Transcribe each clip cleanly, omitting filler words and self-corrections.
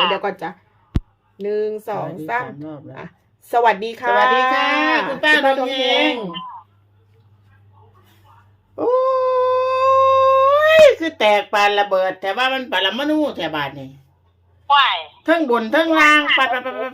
เดี๋ยวก่อนจ้ะ1 2 3อ่ะสวัสดีค่ะสวัสดีค่ะคุณป้าดวงเฮงโอ้ยคือแตกปานระเบิดแต่ว่ามันปรมาณูแถวบ้านนี่ว่ายทั้งบนทั้งล่างปาด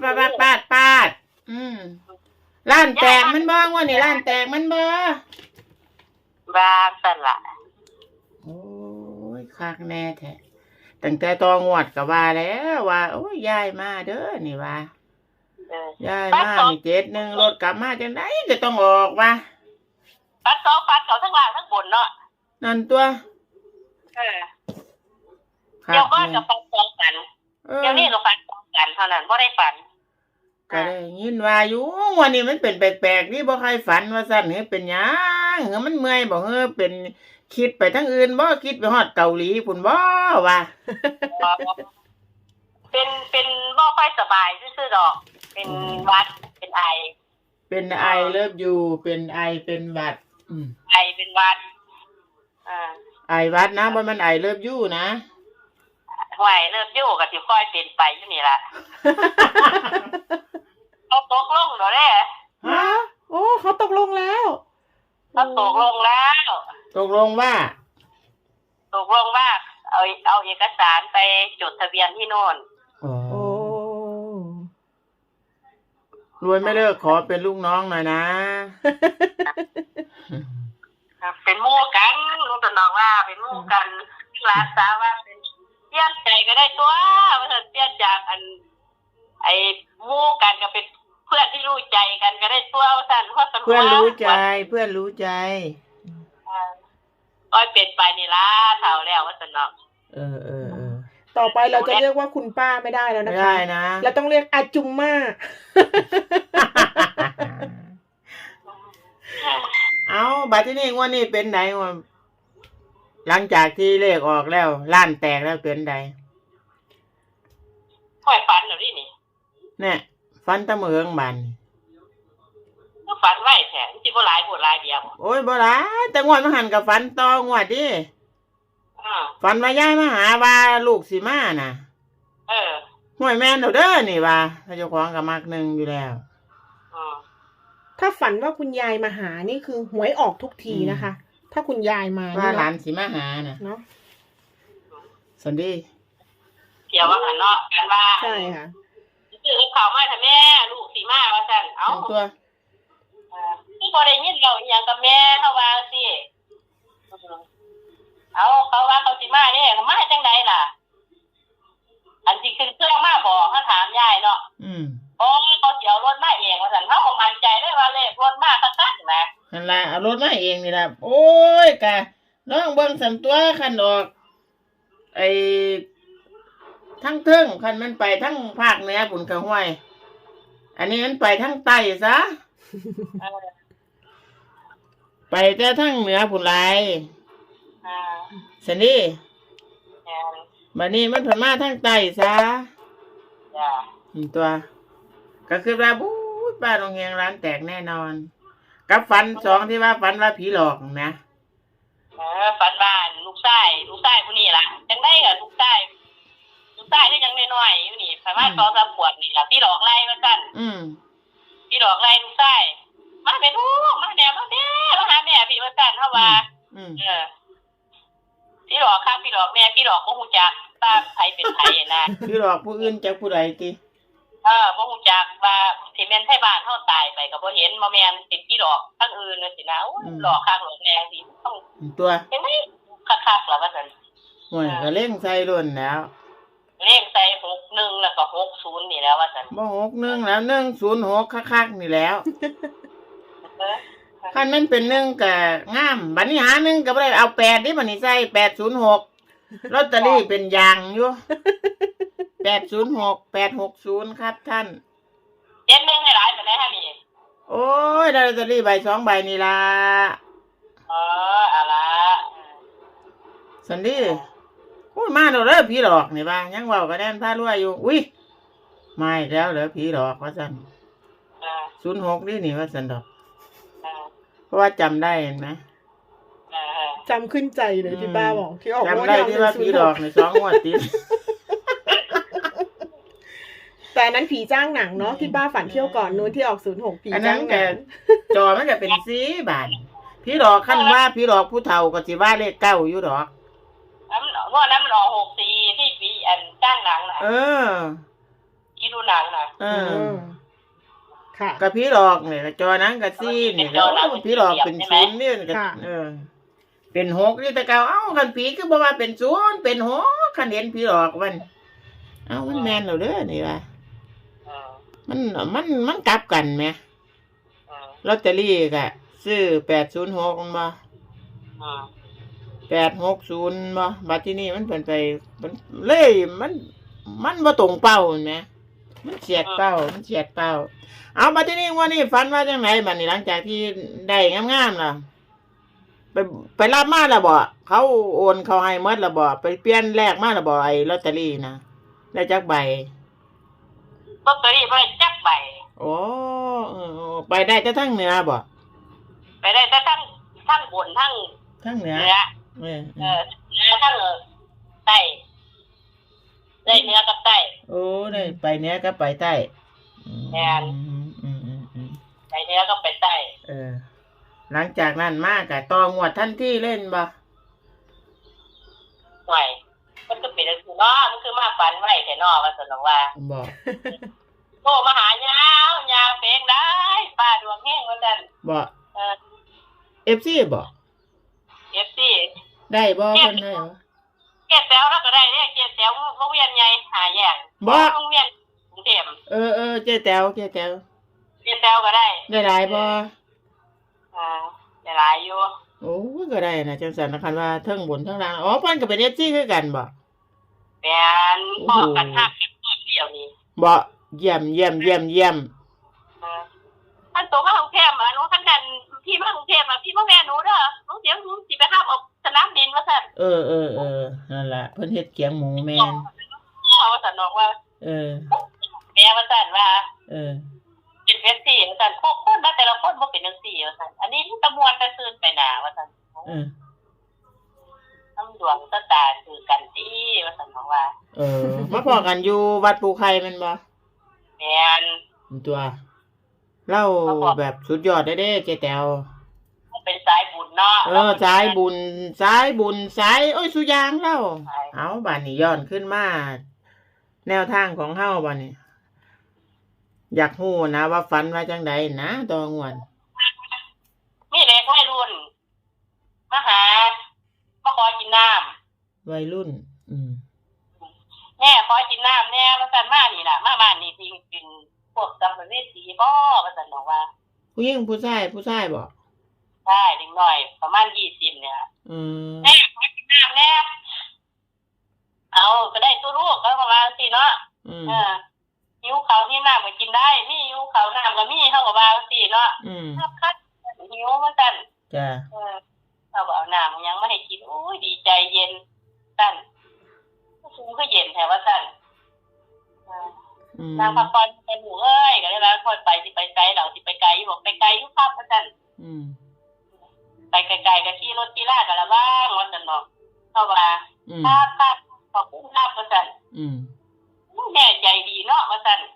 ร้านแตกมันบ้างว่านี่ร้านแตกมันบ้าบางสันละโอ้ยคักแน่แท้ตั้งแต่ตองวดก็ว่าแล้วว่าโอ้ยยายมาเด้อนี่ว่ายายมานี่71รถกลับมาจังได๋ก็ต้องออกว่าปัดเขาทั้งล่างทั้งบนเนาะนั่นตัวเดี๋ยวก็จะฟันสองกันเดี๋ยวนี้ก็ฟันสองกันเท่านั้นบ่ได้ฝันก็ได้ยินว่าอยู่วันนี้มันเป็นแปลกๆนี่บ่ใครฝันว่าซั่นเฮ้ยเป็นหยังเฮ้ยมันเมื่อยบ่เฮ้ยเป็นคิดไปทั้งอื่นบ่คิดไปฮอดเกาหลีพุ่นบ่ว่าเป็นบ่ค่อยสบายซื่อๆดอกเป็นหวัดเป็นไอเลิฟยูเป็นไอเป็นหวัดไอเป็นหวัดไอหวัดนะบ่มันไอเลิฟยูนะไหวเลิฟยูก็สิค่อยเป็นไปอยู่นี่ล่ะเขาตกลงแล้วแหละฮะโอ้เขาตกลงแล้วเขาตกลงว่าเอาเอกสารไปจดทะเบียนที่โน่นโอ้รวยไม่เลิกขอเป็นลูกน้องหน่อยนะเป็นหมู่กันลุงตะน้องว่าเป็นหมู่กันรักษาว่าเป็นเปลี่ยนใจก็ได้ตัวว่าเธอเปลี่ยนจากไอ้หมู่กันก็เป็นเพื่อนที่รู้ใจกันก็ได้ตัวว่าซั่นเพราะเพื่อนรู้ใจก็เป็นไปนี่ล่ะเฒ่าแล้วว่าซั่นเนาะต่อไปเราจะเรียกว่าคุณป้าไม่ได้แล้วนะคะไม่ได้นะเราต้องเรียกอาจุมม่าเอาบัดที่นี่งวดนี้เป็นไดวะหลังจากที่เลขออกแล้วล้านแตกแล้วเป็นไดค่อยฝันแล้วนี่เนี่ยฝันตะเมืองบันก็ฝันไว้แท้สิบ่หลายบ่หลายเดียวโอ้ยบ่หลายแต่งวดมาหันกับฝันต่องวดดิฝันว่ายายมาหาว่าลูกสิมาน่ะห่วยแม่นเด้อนี่ว่าเจ้าของก็มักนึงอยู่แล้วถ้าฝันว่าคุณยายมาหานี่คือหวยออกทุกทีนะคะถ้าคุณยายมาว่าหลานสิมาหาน่ะเนาะสันดีเกี่ยวว่าหันเนาะกันว่าใช่ค่ะซื้อข้าวมาให้แม่ลูกสิมาว่าซั่นเอ้าตัวคือบ่ได้ยินเราอีหยังกับแม่เฮาว่าสิเอาเขาว่าเขาสิมาเด้เขามาจังได๋ล่ะอันที่ขึ้นเครื่องมาบอกเขาถามยายเนาะโอ้เขาสิเอารถมาเองว่าซั่นเฮาก็มั่นใจเลยว่าเลขรถมาคักๆนะนั่นล่ะเอารถมาเองนี่ล่ะโอ้ยกะน้องเบิ่งสำตัวคันออกไอ้ทั้งเทิงคันมันไปทั้งภาคเหนือพุ่นก็ห้วยอันนี้มันไปทั้งใต้ซะไปแต่ทั้งเหนือพุ่นหลายสันนี่บัดนี้มันผ่านมาทางใต้ซะตัวก็คือว่าบู๊ป้าโรงเรียนร้านแตกแน่นอนกับฝัน2ที่ว่าฝันว่าผีหลอกนะฝันว่าลูกชายผู้นี้ล่ะจังได๋ก็ลูกชายได้ยังน้อยๆอยู่นี่ประมาณ2-3 ขวบนี่ล่ะพี่หลอกไล่ว่าซั่นพี่หลอกไล่ลูกชายมาแม่ลูกมาแม่มาหาแม่พี่ว่าซั่นเฮาว่าพี่หลอกครับพี่หลอกแม่พี่หลอกบ่ฮู้จักว่าใครเป็นไผนะพี่หลอกผู้อื่นจักผู้ใดติบ่ฮู้จักว่าสิแม่นไทบ้านเฮาตายไปก็บ่เห็นบ่แม่นเป็นพี่หลอกทั้งอื่นจังซี่นะหลอกคักหลอกแรงสิต้องตัวจังได๋คักๆล่ะว่าซั่นโอ้ยก็เล่งใส่รุ่นแล้วเลขใส่61แล้วก็60นี่แล้วว่าซั่นบ่61แล้ว106คักๆนี่แล้วคันมันเป็น1ก็งามบัดนี้หา1ก็บ่ได้เอา8ดิบัดนี้ใส่806ลอตเตอรี่เป็นยางอยู่806 860ครับท่าน 71ให้หลายปานใดฮะนี่โอ้ยลอตเตอรี่ใบ2ใบนี่ล่ะอะล่ะสันดีโอ้ยมาแล้วเด้อผีหลอกนี่ว่ายังเว้าก็แน่นพารวยอยู่อุ๊ยมาอีกแล้วเหรอผีหลอกว่าซั่น06นี่ว่าซั่นดอกเพราะว่าจำได้เห็นไหมจำขึ้นใจเลยที่ป้าบอกที่ออกจำได้ที่ว่าผีหลอกใน2 งวดติดแต่อันนั้นผีจ้างหนังเนาะที่ป้าฝันเที่ยวก่อนนู้นที่ออก06ผีอันนั้จ้าน งหก็นังจอมันก็เป็นสีบาทพี่หลอกขั้นว่าพี่หลอกผู้เฒ่าก็สิว่าเลขเก้าอยู่ดอกเพราะนั้นมันออก64ที่ปีอันจ้างหนังน่ะเออที่ดูหนังน่ะเออค่ะก็พี่หลอกเนี่ยจอนั้นก็สีนี่แล้วพี่หลอกเป็นศูนย์นี่ก็ค่ะเออ เป็นหกนี่แต่เก่าเอ้าคันผีคือบ่ว่าเป็นศูนย์เป็นหกคันเห็นพี่หลอกมันเอ้ามันแม่นแล้วเด้อนี่ว่าอืมมันกลับกันไหมอืมลอตเตอรี่ก็ซื้อ806มันบ่อืม 860บ่บัดที่นี่มันเพิ่นไปมันเลยมันบ่ตรงเป้าเห็นไหมมันเฉียดเป้าเอาบัดที่นี่ว่านี่ฝันว่าจังไหนบัดนี้หลังจากที่ได้งามๆล่ะไปรับมาแล้วบ่เขาโอนเขาให้หมดแล้วบ่ไปเปลี่ยนแลกมาแล้วบ่ไอ้ลอตเตอรี่นะได้จักใบลอตเตอรี่ไปจักใบโอ้ไปได้แต่ทั้งเหนือบ่ไปได้แต่ทั้งบนทั้งทั้งเหนือเหนือเออเหนือทั้งใต้ได้เหนือกับใต้โอ้ได้ไปเหนือก็ไปใต้แม่นอืมไปเหนือก็ไปใต้เออ หลังจากนั้นมากะต่องวดทันทีเล่นบ่หน่วยมันก็เป็นคือเนาะมันคือมาฝันไว้แต่นอว่าสนองว่าบ่โทรมาหายาวเพลงได้ป้าดวงแห้งว่าซั่นบ่ FC บ่ FC ได้บ่เพิ่นได้บ่เกศแต้วแล้วก็ได้เนี่ยเกศแต้วโรงเรียนใหญ่หาแยกบ่โรงเรียนกรุงเทพเออเจ๊แต๋วเกศแต้วก็ได้ได้หลายบ่ได้หลายอยู่โอ้ก็ได้นะจังซั่นนะคันว่าเทิงบนเทิงล่างอ๋อเพิ่นก็เป็น FC คือกันบ่แม่นพ่อกันฮักกันพ่อเดียวนี้บ่เยี่ยมท่านโตมากรุงเทพอ่ะหนูท่านกันพี่มากรุงเทพอ่ะพี่พ่อแม่หนูเด้อหนูเดี๋ยวหนูสิไปห้ามออกสนามบินว่าซั่นเออนั่นล่ะเพิ่นเฮ็ดเกียงหมูแม่นว่าซั่นบอกว่าเออแม่ว่าซั่นว่าเออเป็นเวทีว่าซั่นพวกคนมาแต่ละคนบ่เป็นจังซี่ว่าซั่นอันนี้ตะมวนตะซื่นไปหน้าว่าซั่นเออน้ำดวงตาตาคือกันติว่าซั่นบอกว่ามาพอกันอยู่วัดปูไข่แม่นบ่แม่นตัวเล่าแบบสุดยอดเด้เจ๊แต๋วเป็นสายบุญเนาะสายบุญสายโอ้ยสุยางเล่าเอาบัดนี้ย้อนขึ้นมาแนวทางของเฮาบัดนี้ อยากฮู้นะว่าฝันว่าจังใดนะตองวนมีเด็กวัยรุ่นมาหามาขอกินน้ำวัยรุ่นแม่ขอกินน้ำแน่ว่าซั่นมานี่ล่ะมาบ้านนี่สิกินพวกสัมภเวสีบ่ว่าซั่นบอกว่าผู้หญิงผู้ชายบ่ใช่เด็กน้อยประมาณ20เนี่ยแม่ขอกินน้ำแน่เอาก็ได้ตัวลูกก็ประมาณสิเนาะหิวข้าวหิวน้ำก็กินได้มีหิวข้าวน้ำก็มีเฮาก็ว่าสิเนาะครับหิวว่าซั่นจ้ะเราก็เอาน้ำยังไม่ให้กินโอ้ยดีใจเย็นสั่นสูงก็เย็นแถวว่าสั่นนางพักผ่อนไปหนูเอ้ยก็ได้แล้วคนไปสิไปไกลเราสิไปไกลบอกไปไกลอยู่ครับว่าสั่นไปไกลๆก็ขี่รถขี่ลากกันละบ้างว่าสั่นบอกเข้ามาครับขอบคุณครับว่าสั่นแม่ใจดีเนาะว่าสั่น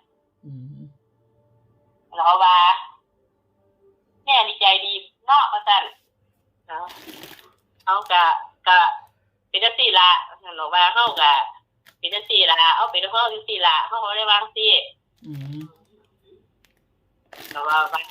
เราว่าแม่นี่ใจดีเนาะว่าสั่นเอากะเป็นจังซี่ล่ะหนูว่าเฮากะเป็นจังซี่ล่ะเอาเป็นเฮาจังซี่ล่ะเฮาบ่ได้วางซี่หนูว่าไป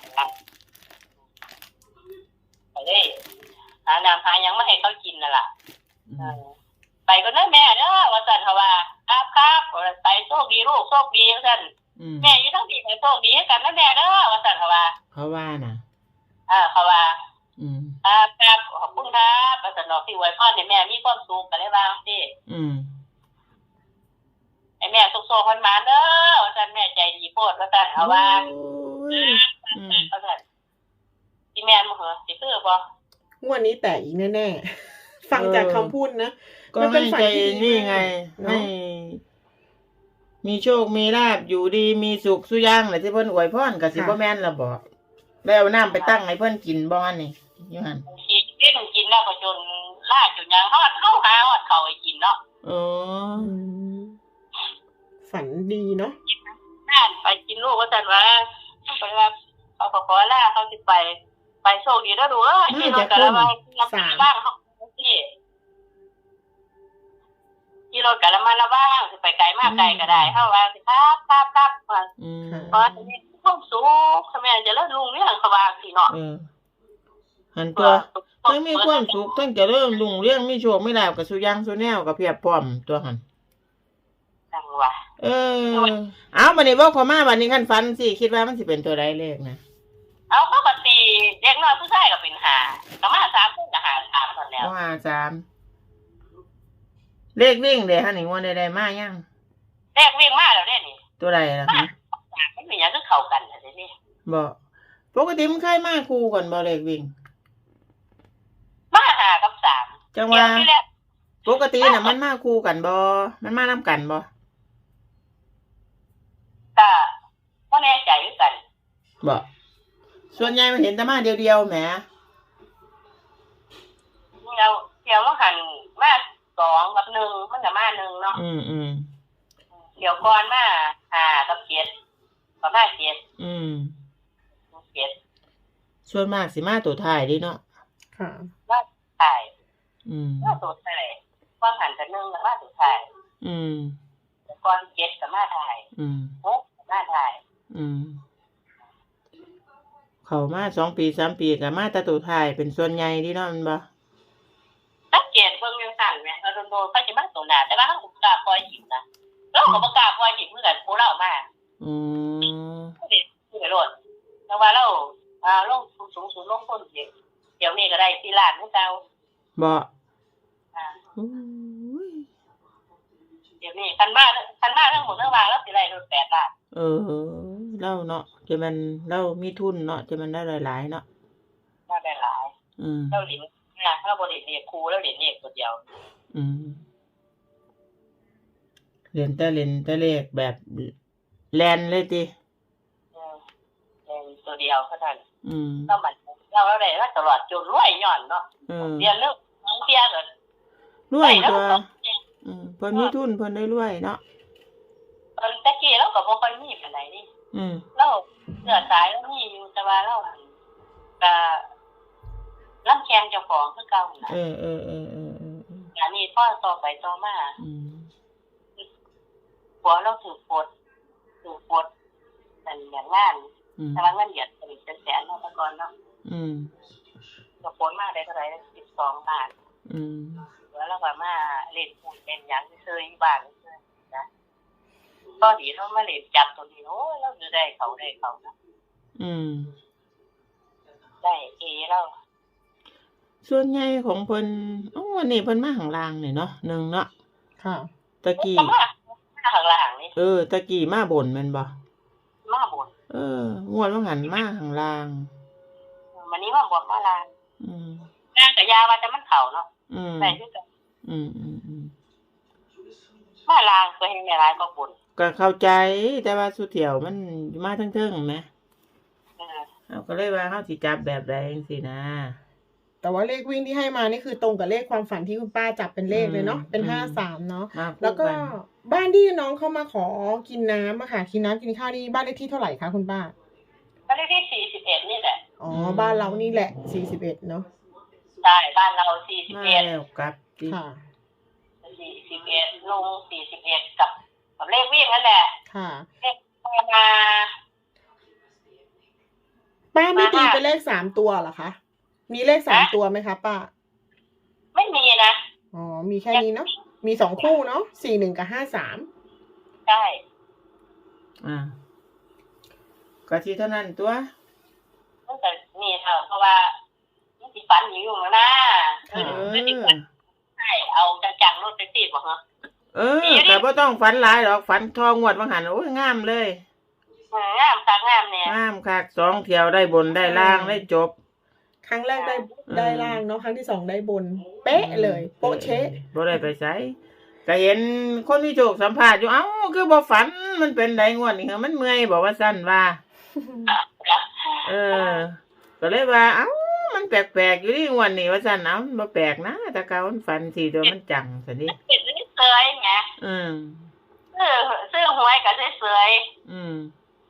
เลยหาน้ำหาหยังมาให้เขากินนั่นล่ะไปก็เด้อแม่เด้อว่าซั่นเขาว่าครับไปโชคดีลูกโชคดีว่าซั่นแม่อยู่ทั้งปีให้โชคดีให้กันนะแม่เด้อว่าซั่นเขาว่าน่ะเขาว่าครับขอบคุณครับประสนอกที่อวยพรให้แม่มีความสุขกันได้บ้างสิให้แม่สุขๆคนมาเด้อว่าซั่นแม่ใจดีโพดว่าซั่นเอาว่าว่าซั่นสิแม่นบ่เหรอสิคือบ่งวดนี้แตกอีกแน่ๆฟังจากคำพูดนะก็ให้ใจนี่ไงให้มีโชคมีลาภอยู่ดีมีสุขสุย่างแหละที่เพิ่นอวยพรก็สิบ่แม่นล่ะบ่แล้วเอาน้ำไปตั้งให้เพิ่นกินบ่หั่นนี่อยู่หั่นกินแล้วก็จนลาจนยังฮอดเข้าหาฮอดเข้าให้กินเนาะฝันดีเนาะไปกินลูกว่าซั่นว่าไปว่าเขาขอลาเขาสิไปโชคดีแล้วดูขี่รถกะละมังบ้างเขาที่ขี่รถกะละมังละบ้างสิไปไกลมากไกลก็ได้เฮาว่าสิครับว่าเพราะนี่ความสุขทำไมจะเลิศลุงเรื่องเขาว่าสิเนาะหันตัวทั้งมีความสุขทั้งจะเริ่มรุ่งเรื่องมีโชคไม่ลาบกับสุยังสุแนวกับเพียบพร้อมตัวหันจังว่าเอาบัดนี้บอกขอมาบัดนี้คันฝันสิคิดว่ามันสิเป็นตัวใดเลขนะเอาปกติเด็กน้อยผู้ชายก็เป็น5ก็มา3คนก็5 3ซั่นแล้ว 3เลขวิ่งเด้ฮะนี่งวดใดๆมายังเลขวิ่งมาแล้วเด้นี่ตัวใดล่ะฮะมันเป็นหยังคือเข้ากันจังซี่บ่ปกติมันเคยมาคู่กันบ่เลขวิ่งมา5กับ3 จังว่าปกติน่ะมันมาคู่กันบ่มันมานำกันบ่ก็บ่แน่ใจคือกันบ่ส่วนใหญ่มันเห็นแต่มาเดียวๆแหมเดี๋ยวมันหันมา2กับ1มันก็มา1เนาะเดี๋ยวก่อนมา5กับ7ก็มา77 ส่วนมากสิมาตัวท้ายดิเนาะค่ะมาท้ายมาตัวท้ายว่าหันแต่1ก็มาตัวท้ายก่อน7ก็มาท้าย6ก็มาท้ายเข้ามา2 ปี3 ปีก็มาแต่ตัวท้ายเป็นส่วนใหญ่ดิเนาะมันบ่สังเกตเบิ่งจังซั่นแหมโดนๆเขาสิมาตัวหน้าแต่ว่าเฮาบ่กล้าปล่อยหิมนะเราก็บ่กล้าปล่อยหิมคือกันผู้เรามาคือโลดแต่ว่าเราลงสูงลงต้นเดี๋ยวนี้ก็ได้4ล้านคือเก่าบ่เดี๋ยวนี้คันมาทั้งหมดทั้งว่าเราสิได้รถ8ล้านเราเนาะจะมันเรามีทุนเนาะจะมันได้หลายๆเนาะได้หลายเราเหรียญเราบ่ได้เรียกครูแล้วเหรียญเลขตัวเดียวเรียนแต่เลขแบบแลนเลยติตัวเดียวเท่านั้นเรามันเราได้ตลอดจนรวยย้อนเนาะเรียนเรื่องเสียก็รวยตัวเพิ่นมีทุนเพิ่นได้รวยเนาะตะกี้เราก็บ่ค่อยมีปานใดนี่เราเสื้อสายเรามีอยู่แต่ว่าเราก็ลำแข้งเจ้าของคือเก่าน่ะอันนี้พอต่อไปต่อมาผัวเราถือปลดนั่นอย่างงานแต่ว่าเงินเดือนเป็นแสนเนาะแต่ก่อนเนาะก็ผลมาได้เท่าไหร่12 บาทแล้วเราก็มาเล่นหุ้นเป็นหยังซื่อๆอยู่บ้านซื่อๆนะก็ดีเฮามาเล่นจับตัวนี้โอ้เราจะได้เขานะได้เราส่วนใหญ่ของเพิ่นวันนี้เพิ่นมาข้างล่างนี่เนาะ1เนาะค่ะตะกี้มาข้างล่างนี่ตะกี้มาบนแม่นบ่มาบนงวดว่าหันมาข้างล่างวันนี้มาบนมาล่างล่างก็ยาว่าแต่มันเข้าเนาะได้คือกันมาล่างก็เห็นหลายก็บนก็เข้าใจแต่ว่าสุเที่ยวมันมาเทิงๆแหมเอาก็เลยว่าเฮาสิจับแบบใดจังซี่นะแต่ว่าเลขวิ่งที่ให้มานี่คือตรงกับเลขความฝันที่คุณป้าจับเป็นเลขเลยเนาะเป็น53เนาะแล้วก็บ้านที่น้องเข้ามาขอกินน้ำอะค่ะกินน้ำกินข้าวนี่บ้านเลขที่เท่าไหร่คะคุณป้าบ้านเลขที่41นี่แหละบ้านเรานี่แหละ41เนาะใช่บ้านเรา41 แล้วกับค่ะ 41ลง41กับเลขวิ่งนั่นแหละค่ะเลขมาป้าไม่ตีเป็นเลข3ตัวเหรอคะมีเลข3ตัวไหมคะป้าไม่มีนะมีแค่นี้เนาะมี2คู่เนาะ41กับ53 ใช่ก็ที่เท่านั้นตัวตั้งแต่นี่เถอะเพราะว่ามันสิฝันอยู่แล้วนะใช่เอาจังๆรถไปติดบ่ฮะแต่บ่ต้องฝันหลายหรอกฝันทองวดว่าหั่นโอ้ยงามเลยงามคักงามเนี่ยงามคัก2เที่ยวได้บนได้ล่างได้จบครั้งแรกได้ล่างเนาะครั้งที่2ได้บนเป๊ะเลยโป๊ะเช๊ะบ่ได้ไปไสก็เห็นคนที่โชคสัมภาษณ์อยู่คือบ่ฝันมันเป็นไดงวดนี่มันเมื่อยบอกว่าซั่นว่าก็เลยว่ามันแปลกๆอยู่ดิงวดนี้ว่าซั่นบ่แปลกนะแต่เก่ามันฝันสิตัวมันจังซั่นดิเสยไงซื้อหวยก็เสย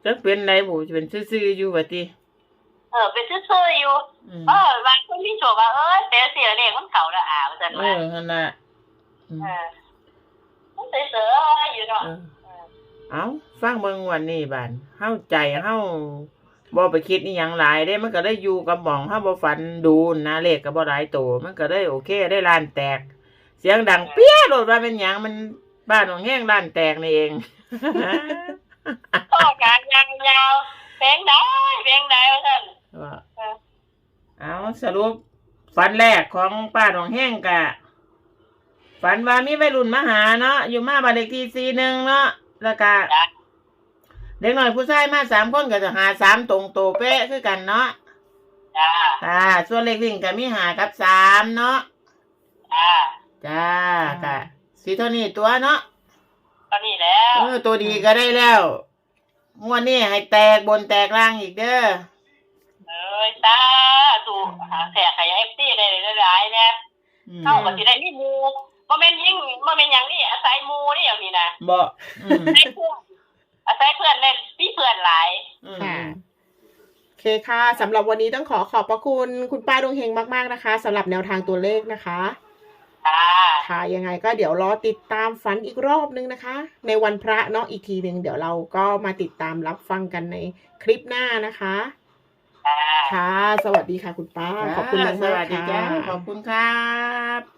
จักเป็นไรบุจะเป็นซื่อๆอยู่ว่าติเป็นซื่อๆอยู่บางคนที่โจว่าเสียเลขมันเขาละว่าซั่นว่านั่นน่ะมันเสือๆอยู่เนาะเอาฟังเบิ่งวันนี้บาดเฮาใจเฮาบ่ไปคิดอีหยังหลายเด้มันก็ได้อยู่กับหม่องเฮาบ่ฝันดูนะเลขก็บ่หลายโตมันก็ได้โอเคได้ล้านแตกเสียงดังเปี้ยโลดว่าเป็นหยังมันบ้านของแห้งล้านแตกนี่เองต่อการยาวเพลงได้ว่าซั่นเอาสรุปฝันแรกของป้าของแห้งกะฝันว่ามีวัยรุ่นมาหาเนาะอยู่มาบ้านเลขที่41เนาะแล้วก็เด็กน้อยผู้ชายมา3คนก็จะหา3ตรงโตเป๊ะคือกันเนาะจ้าส่วนเลขวิ่งก็มี5กับ3เนาะจ้ากะสิเท่านี้ตัวเนาะตอนนี้แล้วตัวดีก็ได้แล้วงวดนี้ให้แตกบนแตกล่างอีกเด้อตาสู่แขกขยาย FC ได้หลายๆเนี่ยเฮาก็สิได้มีหมู่บ่แม่นหยังนี่อาศัยหมู่นี่อย่างนี้นะบ่อาศัยเพื่อนเล่นมีเพื่อนหลายค่ะโอเคค่ะสำหรับวันนี้ต้องขอบพระคุณคุณป้าดวงเฮงมากๆนะคะสำหรับแนวทางตัวเลขนะคะค่ะยังไงก็เดี๋ยวรอติดตามฝันอีกรอบนึงนะคะในวันพระเนาะอีกทีนึงเดี๋ยวเราก็มาติดตามรับฟังกันในคลิปหน้านะคะค่ะสวัสดีค่ะคุณป้าขอบคุณมากๆค่ะขอบคุณครับ